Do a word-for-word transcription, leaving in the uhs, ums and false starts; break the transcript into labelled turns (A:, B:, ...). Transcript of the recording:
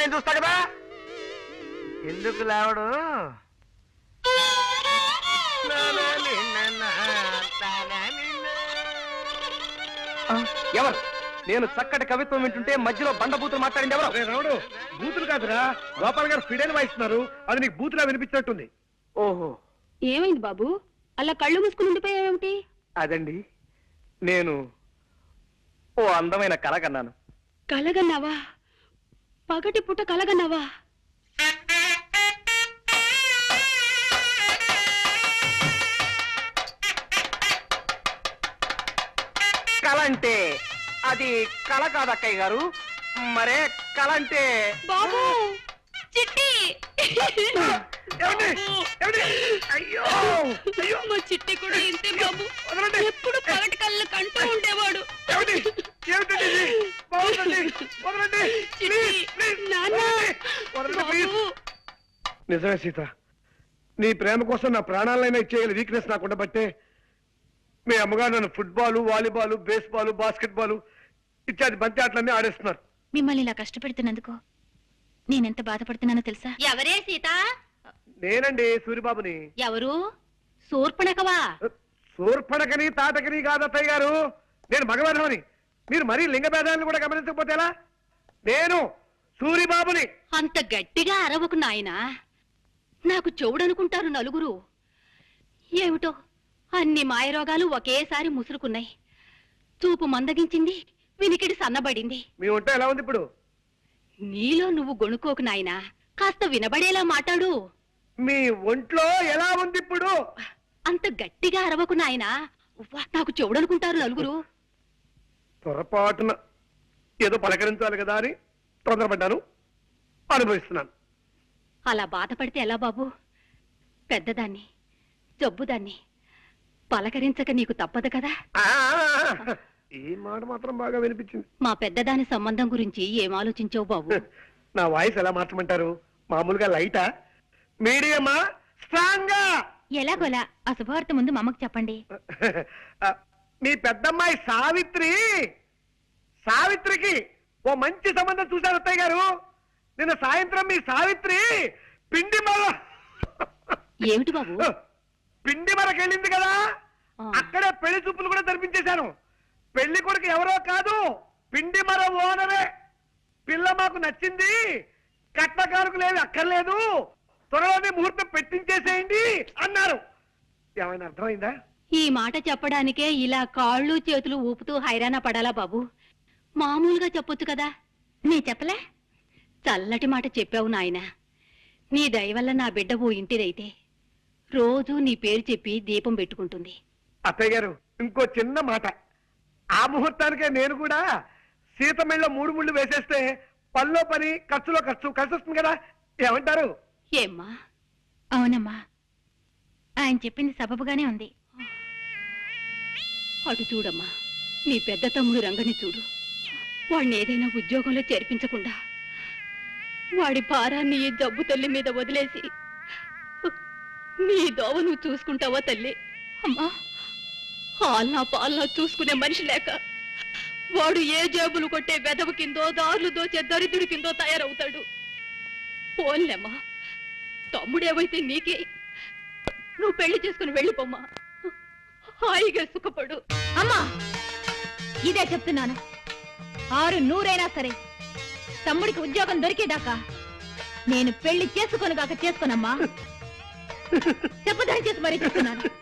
A: నేను చూస్తా కదా. ఎందుకు లేవడు?
B: ఎవరు? నేను చక్కటి కవిత్వం వింటుంటే మధ్యలో బండబూతులు మాట్లాడింది ఎవరు?
C: రావుడు, బూతులు కాదురా, గోపాల్ గారు ఫిడైన్ వాయిస్తున్నారు. అది నీకు బూతులా వినిపించినట్టుంది.
B: ఓహో,
D: ఏమైంది బాబు? అలా కళ్ళు మూసుకుని ఉండిపోయావేమిటి?
B: అదండి, నేను ఓ అందమైన కల కన్నాను.
D: కలగన్నావా? పగటి పుట్ట కలగన్నావా?
B: కల అంటే అది కళ కాదు అక్కయ్య గారు. మరే కళ అంటే
D: బాబు, చిట్టి!
C: అయ్యో
D: మా చిట్టి కూడా ఇంతే బాబు. ఎప్పుడు పగటి కళ్ళు కంటూ ఉండేవాడు.
C: నిజమే సీత, నీ ప్రేమ కోసం నా ప్రాణాలైనా ఇచ్చేయాలి వీక్నెస్ నాకు ఉండబట్టే మీ అమ్మగారు నన్ను football, volleyball, baseball, basket ball ఇత్యాది బంతి ఆటలన్నీ ఆడేస్తున్నారు.
E: మిమ్మల్ని ఇలా కష్టపెడుతున్నందుకు నేనెంత బాధపడుతున్నానో తెలుసా?
D: ఎవరే సీత?
C: నేనండి సూరిబాబుని.
D: ఎవరు? శూర్పణఖవా?
C: శూర్పణఖని తాటకని కాదు అత్తయ్య గారు, నేను మగవేధమని. మీరు మరీ లింగ భేదాలను కూడా గమనించకపోతే ఎలా? నేను సూరిబాబుని.
D: అంత గట్టిగా అరవకు నాయనా, నాకు చెవుడనుకుంటారు నలుగురు. ఏమిటో అన్ని మాయరోగాలు ఒకేసారి ముసురుకున్నాయి. చూపు మందగించింది, వినికిడి సన్నబడింది.
C: మీ ఒంట ఎలా ఉంది ఇప్పుడు?
D: నీలో నువ్వు గొణుకోకు నాయనా, కాస్త వినబడేలా మాట్లాడు.
C: మీ ఒంట్లో ఎలా ఉంది ఇప్పుడు?
D: అంత గట్టిగా అరవకు నాయనా, ఉవ్వ, నాకు చెవుడనుకుంటారు నలుగురు.
C: పొరపాటున ఏదో పలకరించాలి కదా అని తొందరపడ్డాను, అనుభవిస్తున్నాను.
D: అలా బాధపడితే ఎలా బాబు? పెద్దదాన్ని, జబ్బుదాన్ని పలకరించక నీకు తప్పదు కదా.
C: ఈ మాట మాత్రం బాగా వినిపించింది.
D: మా పెద్దదాని సంబంధం గురించి ఏం ఆలోచించావు బాబు?
C: నా వాయిస్ ఎలా మార్చమంటారు? మామూలుగా లైటా, మీడియమా, స్ట్రాంగా?
E: ఎలాగోలా ఆ శుభవార్త ముందు మా అమ్మకు చెప్పండి.
C: మీ పెద్దమ్మాయి సావిత్రి, సావిత్రికి ఓ మంచి సంబంధం చూశారు అత్తయ్య గారు. నిన్న సాయంత్రం మీ సావిత్రి పిండి మర
D: ఏమిటి బాబు?
C: పిండి మరకెళ్ళింది కదా, అక్కడే పెళ్లి చూపులు కూడా జరిపించేశాను. పెళ్లి కొడుకు ఎవరో కాదు, పిండి మర ఓనరే. పిల్ల మాకు నచ్చింది, కట్నకారుకులేవి అక్కర్లేదు, త్వరలోనే ముహూర్తం పెట్టించేసేయండి అన్నారు. ఏమైనా అర్థమైందా?
D: ఈ మాట చెప్పడానికే ఇలా కాళ్ళు చేతులు ఊపుతూ హైరాణ పడాలా బాబు? మామూలుగా చెప్పొచ్చు కదా.
E: నీ చెప్పలే?
D: చల్లటి మాట చెప్పావు నాయన. నీ దయ వల్ల నా బిడ్డ ఓ ఇంటిదైతే రోజూ నీ పేరు చెప్పి దీపం పెట్టుకుంటుంది.
C: అత్తయ్య గారు, ఇంకో చిన్న మాట. ఆ ముహూర్తానికే నేను కూడా సీతమెళ్ళ మూడు ముళ్ళు వేసేస్తే పనిలో పని, ఖర్చులో ఖర్చు కలిసి వస్తుంది కదా. ఏమంటారు?
D: ఏమ్మా?
E: అవునమ్మా, ఆయన చెప్పింది సబబుగానే ఉంది.
D: అటు చూడమ్మా, నీ పెద్ద తమ్ముడు రంగని చూడు. వాడిని ఏదైనా ఉద్యోగంలో చేర్పించకుండా వాడి భారాన్ని ఈ జబ్బు తల్లి మీద వదిలేసి నీ దోవ నువ్వు చూసుకుంటావా తల్లి?
E: అమ్మా,
D: హాల్నా పాలనా చూసుకునే మనిషి లేక వాడు ఏ జేబులు కొట్టే వెదవ కిందో, దారులు దోచే దరిద్రుడి కిందో తయారవుతాడు. పోన్లేమ్మా, తమ్ముడేవైతే నీకే. నువ్వు పెళ్లి చేసుకుని వెళ్ళిపోమ్మా, హాయిగా సుఖపడు.
E: అమ్మా, ఇదే చెప్తున్నాను. ఆరు నూరైనా సరే తమ్ముడికి ఉద్యోగం దొరికేదాకా నేను పెళ్లి చేసుకొనుగాక చేసుకోనమ్మా. చెప్పదని చేసి మరీ చెప్తున్నాను.